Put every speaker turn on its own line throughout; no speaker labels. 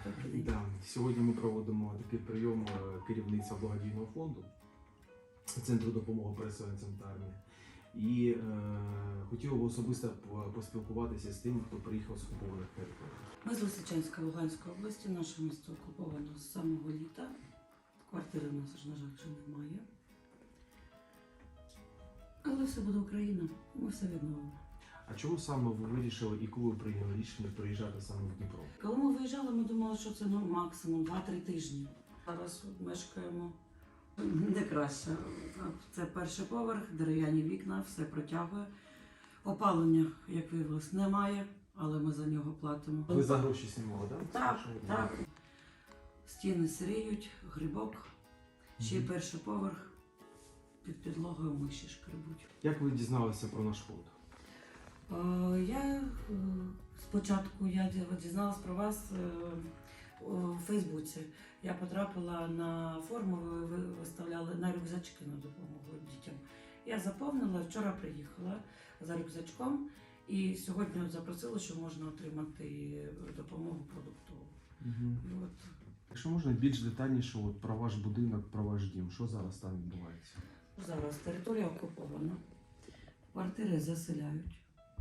Да. Сьогодні ми проводимо такий прийом керівництва благодійного фонду Центру допомоги переселенцям та армії. І хотів би особисто поспілкуватися з тими, хто приїхав з окупованих територій.
Ми з Лисичанської Луганської області, наше місто окуповано з самого літа. Квартири в нас, на жаль, вже немає. Але все буде Україна, ми все відновимо.
А чому саме ви вирішили і коли ви прийняли рішення приїжджати саме в Дніпро?
Коли ми виїжджали, ми думали, що це максимум 2-3 тижні. Зараз мешкаємо не краще. Це перший поверх, дерев'яні вікна, все протягує. Опалення, як виявилось, немає, але ми за нього платимо.
Ви за гроші знімали, так?
Так. Стіни сиріють, грибок, ще й перший поверх, під підлогою миші шкребуть.
Як ви дізналися про наш фонд?
Спочатку я дізналась про вас у Фейсбуці. Я потрапила на форму, ви виставляли на рюкзачки на допомогу дітям. Я заповнила, вчора приїхала за рюкзачком і сьогодні запросила, що можна отримати допомогу продуктову.
Угу. Якщо можна більш детальніше про ваш будинок, про ваш дім, що зараз там відбувається?
Зараз територія окупована, квартири заселяють.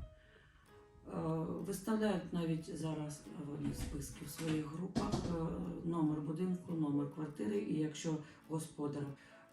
Виставляють навіть зараз вони списки в своїх групах, номер будинку, номер квартири, і якщо господар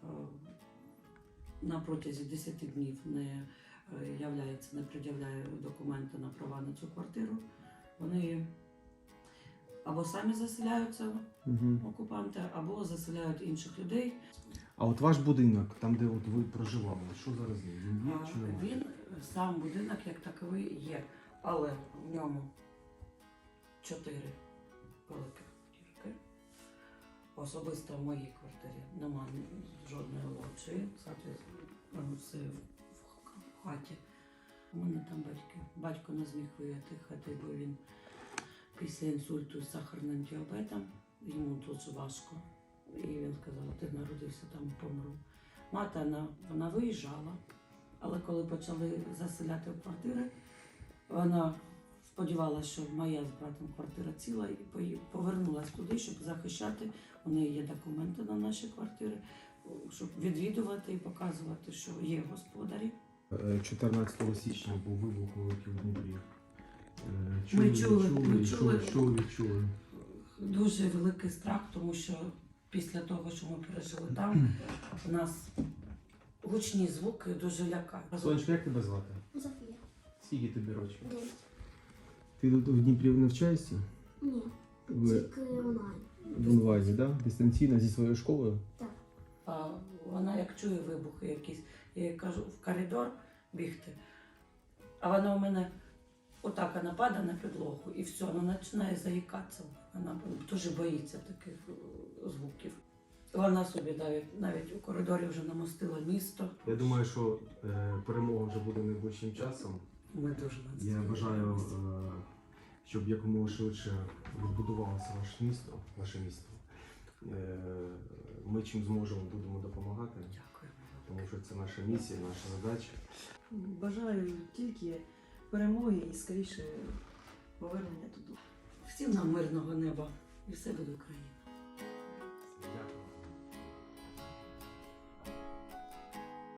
на протязі 10 днів не пред'являє документи на права на цю квартиру, вони або самі заселяються, окупанти, або заселяють інших людей.
А от ваш будинок, там де от ви проживали, що зараз він є чи немає?
Він, сам будинок як таковий є. Але в ньому 4 великих дірки. Особисто в моїй квартирі немає жодної лоджії, все в хаті. У мене там батько не зміг виїхати, бо він після інсульту з сахарним діабетом, йому дуже важко. І він сказав, ти народився там, помру. Мати, вона виїжджала, але коли почали заселяти в квартири, вона сподівалася, що моя з братом квартира ціла, і повернулася туди, щоб захищати. У неї є документи на наші квартири, щоб відвідувати і показувати, що є господарі.
14 січня був вибух великий в Дніпрі.
Ми
чули.
Дуже великий страх, тому що після того, що ми пережили там, у нас гучні звуки дуже лякають.
Сонечка, як тебе звати?
Софія.
Скільки тобі років?
9.
Ти тут в Дніпрі навчаєшся?
Ні,
Ви
тільки онлайн.
в онлайні, так? Дистанційно зі своєю школою?
Так.
Вона як чує вибухи якісь, я їй кажу в коридор бігти, а вона у мене отак вона падає на підлогу і все, вона починає заїкатися. Вона дуже боїться таких звуків. Вона собі навіть у коридорі вже намостила місто.
Я думаю, що перемога вже буде найближчим часом.
Ми дуже на це
Я бажаю, щоб якомога швидше відбудувалося ваше місто. Ми чим зможемо, будемо допомагати.
Дякую.
Тому що це наша місія, наша задача.
Бажаю тільки перемоги і скоріше повернення туди.
Всім нам мирного неба і все буде Україна.